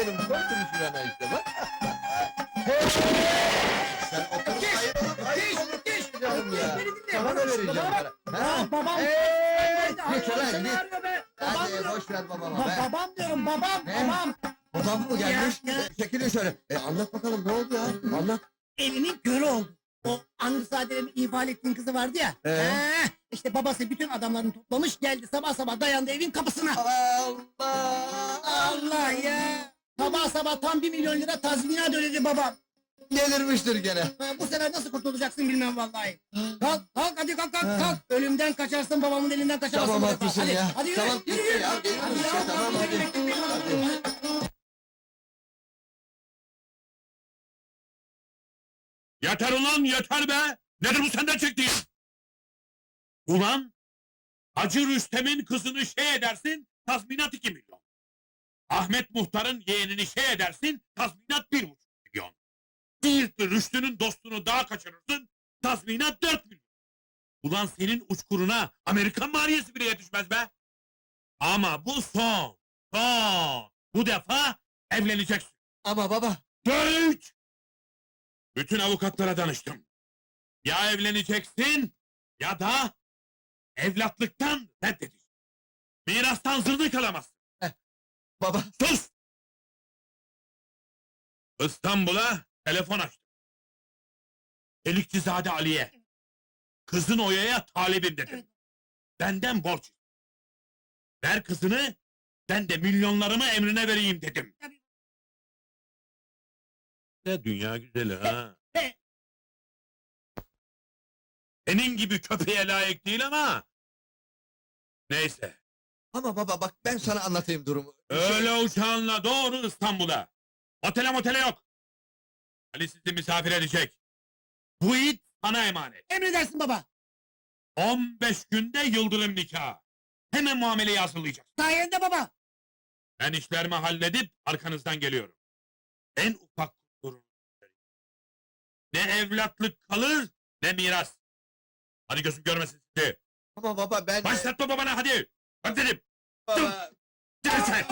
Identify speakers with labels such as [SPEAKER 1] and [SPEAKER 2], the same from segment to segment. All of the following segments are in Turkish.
[SPEAKER 1] benim, koydum şurana işte bak. Hey! Sen otur sayın.
[SPEAKER 2] Diş!
[SPEAKER 1] Canım ya.
[SPEAKER 2] Beni dinle.
[SPEAKER 1] Sana da vereceğim para. Ha?
[SPEAKER 2] Babam.
[SPEAKER 1] Git ulan
[SPEAKER 2] Seni
[SPEAKER 1] git.
[SPEAKER 2] arıyor be. Babam
[SPEAKER 1] Hadi
[SPEAKER 2] diyorum.
[SPEAKER 1] boş ver babama be.
[SPEAKER 2] Babam diyorum babam.
[SPEAKER 1] Ne?
[SPEAKER 2] Babam.
[SPEAKER 1] Babam mı gelmiş?
[SPEAKER 2] Ya.
[SPEAKER 1] Çekilin şöyle. Anlat bakalım ne oldu ya? Anlat.
[SPEAKER 2] Elinin körü oldu. O Angusadere'nin ifade ettiğin kızı vardı ya. İşte babası bütün adamlarını toplamış geldi sabah sabah dayandı evin kapısına.
[SPEAKER 1] Allah!
[SPEAKER 2] Allah ya. Sabah sabah tam 1 milyon lira tazminat ödedi babam.
[SPEAKER 1] Delirmiştir gene.
[SPEAKER 2] Bu sefer nasıl kurtulacaksın bilmem vallahi. Kalk hadi kalk. Ölümden kaçarsın babamın elinden kaçarsın.
[SPEAKER 1] Tamam haklısın
[SPEAKER 2] hadi,
[SPEAKER 1] ya.
[SPEAKER 2] Hadi yürü.
[SPEAKER 1] Tamam
[SPEAKER 2] yürü,
[SPEAKER 1] gitti
[SPEAKER 2] yürü.
[SPEAKER 1] ya. Geliyorum işte tamam hadi. Hadi.
[SPEAKER 3] Yeter ulan yeter be! Nedir bu senden çektiğin? Ulan! Hacı Rüstem'in kızını şey edersin, tazminat 2 milyon. Ahmet Muhtar'ın yeğenini şey edersin, tazminat 1,5 milyon. Siirtli Rüştü'nün dostunu daha kaçırırsın, tazminat 4 milyon. Ulan senin uçkuruna Amerikan maliyesi bile yetişmez be! Ama bu son! Bu defa evleneceksin.
[SPEAKER 1] Ama baba.
[SPEAKER 3] Dört! Bütün avukatlara danıştım. Ya evleneceksin ya da evlatlıktan reddedeceksin. Mirastan zırnık alamazsın.
[SPEAKER 1] Baba.
[SPEAKER 3] Sus! İstanbul'a telefon açtım. Delikçizade Ali'ye. Kızın Oya'ya talibim dedim. Benden borç iste. Ver kızını, ben de milyonlarımı emrine vereyim dedim. Ne dünya güzeli ha! Senin gibi köpeğe layık değil ama... Neyse,
[SPEAKER 1] Ama baba bak ben sana anlatayım durumu.
[SPEAKER 3] öyle uçağınla doğru İstanbul'a. Otele yok. Ali sizi misafir edecek. Bu it sana emanet.
[SPEAKER 2] Emredersin baba.
[SPEAKER 3] 15 günde yıldırım nikahı. Hemen muameleyi hazırlayacağız.
[SPEAKER 2] Sayende baba.
[SPEAKER 3] Ben işlerimi halledip arkanızdan geliyorum. En ufak sorun. Ne evlatlık kalır, ne miras. Hadi gözüm görmesin sizi.
[SPEAKER 1] Ama baba ben...
[SPEAKER 3] Başlatma babana hadi. Hadi dedim.
[SPEAKER 1] Baba.
[SPEAKER 3] Gel sen.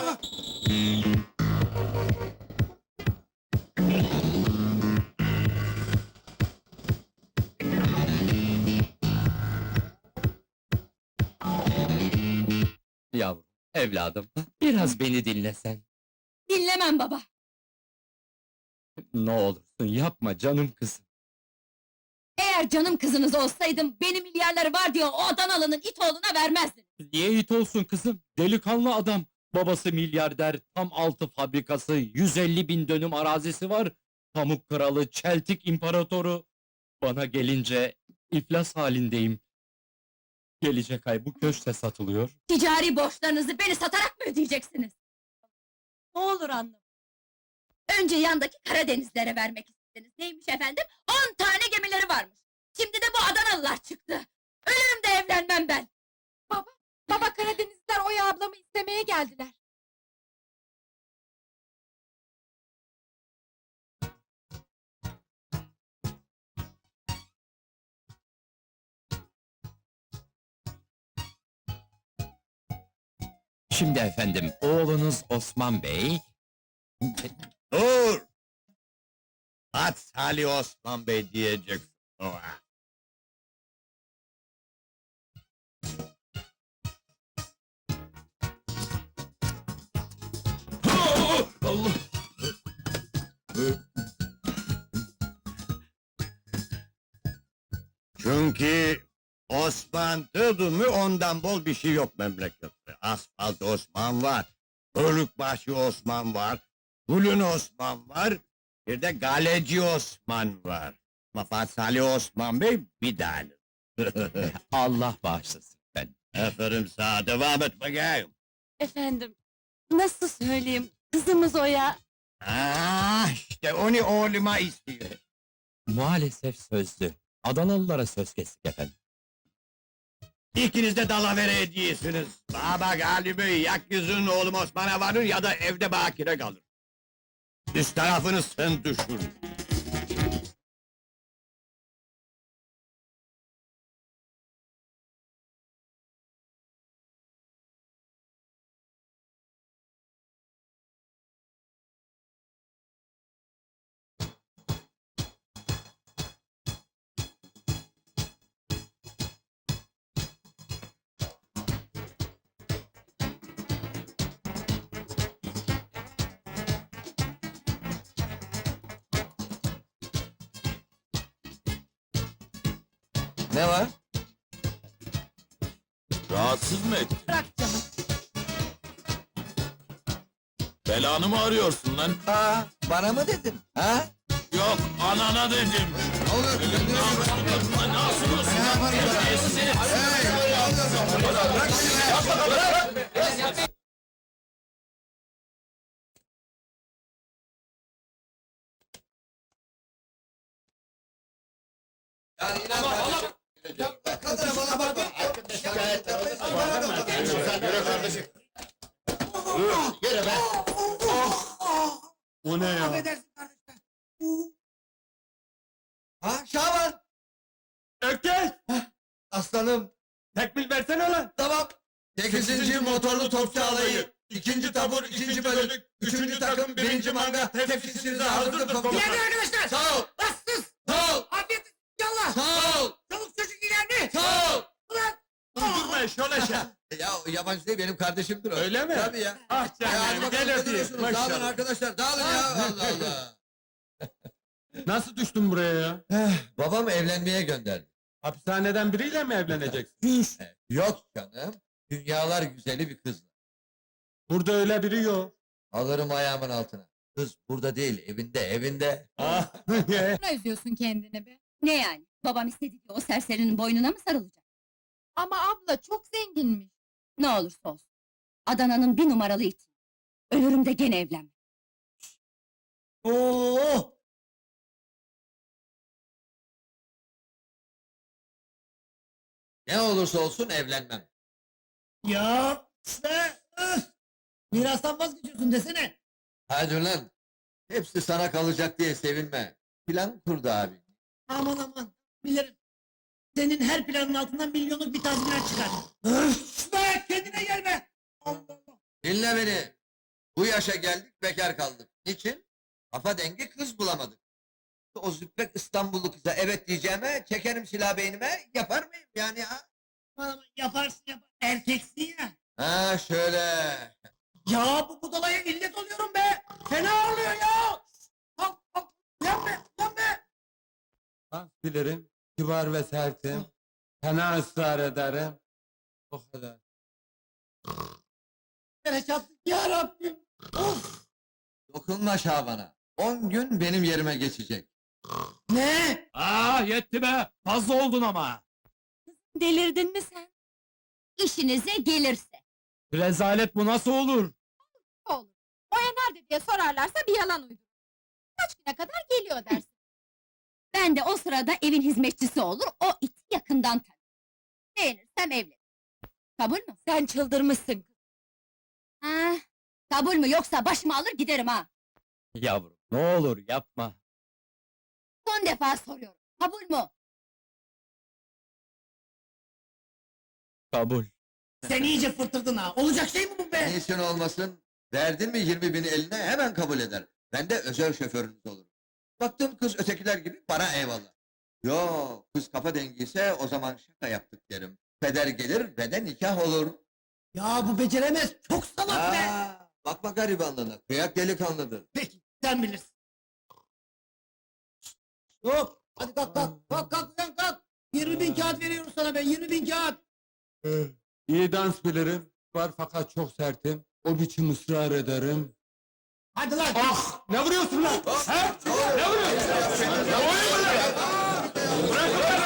[SPEAKER 4] Yavrum, evladım, biraz beni dinlesen.
[SPEAKER 5] Dinlemem baba.
[SPEAKER 4] Ne olursun yapma canım kızım.
[SPEAKER 5] Eğer canım kızınız olsaydım, benim milyarları var diye o Adanalı'nın it oğluna vermezdiniz.
[SPEAKER 4] Niye it olsun kızım? Delikanlı adam. Babası milyarder, tam 6 fabrikası, 150.000 dönüm arazisi var. Pamuk kralı, çeltik imparatoru. Bana gelince iflas halindeyim. Gelecek ay bu köşte satılıyor.
[SPEAKER 5] Ticari borçlarınızı beni satarak mı ödeyeceksiniz? Ne olur anlam. Önce yandaki Karadenizlere vermek istediniz. Neymiş efendim? 10 tane gemileri varmış. Şimdi de bu Adanalılar çıktı. Ölürüm de evlenmem ben.
[SPEAKER 6] Baba Karadenizliler Oya ablamı istemeye geldiler.
[SPEAKER 4] Şimdi efendim, oğlunuz Osman Bey...
[SPEAKER 7] Dur! At Salih Osman Bey diyeceksin. Oha!
[SPEAKER 3] Allah!
[SPEAKER 7] Çünkü Osman dedin mi ondan bol bir şey yok memlekette. Asfalt Osman var, Bölükbaşı Osman var, Gülün Osman var, bir de Galeci Osman var. Ama Fatih Salih Osman Bey bir tane.
[SPEAKER 4] Allah bağışlasın efendim.
[SPEAKER 7] Aferin sana, devam et bakayım.
[SPEAKER 6] Efendim, nasıl söyleyeyim, kızımız Oya...
[SPEAKER 7] İşte onu oğluma istiyor.
[SPEAKER 4] Maalesef sözlü. Adanalılara söz kestik efendim.
[SPEAKER 7] İkiniz de dalavere ediyesiniz. Baba galibi yak yüzün oğlum Osman'a varır ya da evde bakire kalır. Üst tarafını sen düşün. Ne var?
[SPEAKER 8] Rahatsız mı ettin?
[SPEAKER 6] Bırak canım.
[SPEAKER 8] Belanı mı arıyorsun lan?
[SPEAKER 7] Aa, bana mı dedin? Ha?
[SPEAKER 8] Yok, anana dedim.
[SPEAKER 7] Ne olur?
[SPEAKER 8] Ne yapıyorsun lan? Ne yapıyorsun?
[SPEAKER 7] Ne yaparım ben?
[SPEAKER 8] Terbiyesiz herif.
[SPEAKER 7] Hey, ne oluyorsun? Bırak beni be! Yani inan kardeşim. Kadına bana bakma. Şikayet Yürü kardeşim. Yürü be.
[SPEAKER 3] O ne ya?
[SPEAKER 2] Affedersin kardeşler.
[SPEAKER 7] Ha Şaban.
[SPEAKER 3] Ökkeş!
[SPEAKER 7] Aslanım.
[SPEAKER 3] Tekmil versene lan!
[SPEAKER 7] Tamam. 8. motorlu topçu alayı. 2. tabur 2. bölük. 3. takım 1. manga. Tepkisinize hazırdır komutanım.
[SPEAKER 2] İleride arkadaşlar.
[SPEAKER 7] Sağ ol.
[SPEAKER 2] Bassız.
[SPEAKER 7] Sağ ol.
[SPEAKER 2] Afiyet olsun. Yallah.
[SPEAKER 7] Sağ ol.
[SPEAKER 2] Çoluk çocuk ileride.
[SPEAKER 7] Sağ ol.
[SPEAKER 2] Ulan.
[SPEAKER 3] Durma şöyle şey!
[SPEAKER 7] Ya yabancı değil benim kardeşimdir o.
[SPEAKER 3] Öyle mi?
[SPEAKER 7] Tabii ya.
[SPEAKER 3] Ah
[SPEAKER 7] Ya hadi
[SPEAKER 3] canım,
[SPEAKER 7] bakalım
[SPEAKER 3] gel
[SPEAKER 7] ne
[SPEAKER 3] öpeyim.
[SPEAKER 7] duruyorsunuz? Dağılın
[SPEAKER 3] Maşallah.
[SPEAKER 7] arkadaşlar dağılın ya. Allah Allah.
[SPEAKER 3] Nasıl düştün buraya ya?
[SPEAKER 7] Babam evlenmeye gönderdi.
[SPEAKER 3] Hapishaneden biriyle mi evleneceksin?
[SPEAKER 7] Yok canım. Dünyalar güzeli bir kız.
[SPEAKER 3] Burada öyle biri yok.
[SPEAKER 7] Alırım ayağımın altına. Kız burada değil evinde evinde.
[SPEAKER 3] Ah,
[SPEAKER 6] Ne üzüyorsun kendini be?
[SPEAKER 5] Ne yani? Babam istedi diye o serserinin boynuna mı sarılacak?
[SPEAKER 6] Ama abla çok zenginmiş.
[SPEAKER 5] Ne olursa olsun. Adana'nın bir numaralı iti. Ölürüm de gene evlenmem.
[SPEAKER 2] Oo.
[SPEAKER 7] Ne olursa olsun evlenmem.
[SPEAKER 2] Ya işte. Mirastan vazgeçiyorsun desene.
[SPEAKER 7] Hadi lan. Hepsi sana kalacak diye sevinme. Plan kurdu abi.
[SPEAKER 2] Aman aman. Bilirim. Senin her planın altından milyonluk bir tazminat çıkar. Öf be kendine gelme. Allah Allah.
[SPEAKER 7] Dinle beni. Bu yaşa geldik bekar kaldık. Niçin? Kafa dengi kız bulamadık. O züppek İstanbullu kıza evet diyeceğime çekerim silah beynime yapar mıyım yani ha?
[SPEAKER 2] Aman, yaparsın Erkeksin ya.
[SPEAKER 7] Ha şöyle.
[SPEAKER 2] Ya bu budalaya illet oluyorum be. Fena oluyor ya. Kalk kalk. Uyan be uyan be.
[SPEAKER 9] Bilirim, kibar ve sertim. Fena ısrar ederim. O kadar.
[SPEAKER 2] Nereye çattık ya Rabbim. Of.
[SPEAKER 7] Dokunma Şaban'a. 10 gün benim yerime geçecek.
[SPEAKER 2] Ne?
[SPEAKER 4] Ah yetti be! Fazla oldun ama!
[SPEAKER 5] Delirdin mi sen? İşinize gelirse.
[SPEAKER 4] Rezalet bu nasıl olur?
[SPEAKER 6] Olur. Oya nerede diye sorarlarsa bir yalan uydur. Kaç güne kadar geliyor dersin.
[SPEAKER 5] Ben de o sırada evin hizmetçisi olur, o iti yakından tanır. Beğenirsem evlen. Kabul mü?
[SPEAKER 6] Sen çıldırmışsın.
[SPEAKER 5] Ha, kabul mü yoksa başımı alır giderim ha.
[SPEAKER 4] Yavrum ne olur yapma.
[SPEAKER 5] Son defa soruyorum. Kabul mü?
[SPEAKER 4] Kabul.
[SPEAKER 2] Sen iyice fırtırdın ha. Olacak şey mi bu be?
[SPEAKER 7] Niçin olmasın? Verdin mi 20.000'i eline hemen kabul eder. Ben de özel şoförünüz olurum. Baktım kız ötekiler gibi bana eyvallah. Yo kız kafa dengiyse o zaman şaka yaptık derim. Peder gelir ve de nikah olur.
[SPEAKER 2] Ya bu beceremez. Çok salak be.
[SPEAKER 7] Bakma garibanlığına. Kıyak delikanlıdır.
[SPEAKER 2] Peki sen bilirsin. Yok. Hadi kalk kalk. Kalk kalk uyan kalk. 20.000 kağıt veriyorum sana ben. 20.000 kağıt.
[SPEAKER 9] İyi dans bilirim, var fakat çok sertim. O biçim ısrar ederim.
[SPEAKER 2] Hadi lan.
[SPEAKER 9] Ah! Ne vuruyorsun lan? He? Ne vuruyorsun? Ne vuruyorsun lan? Bırak lan!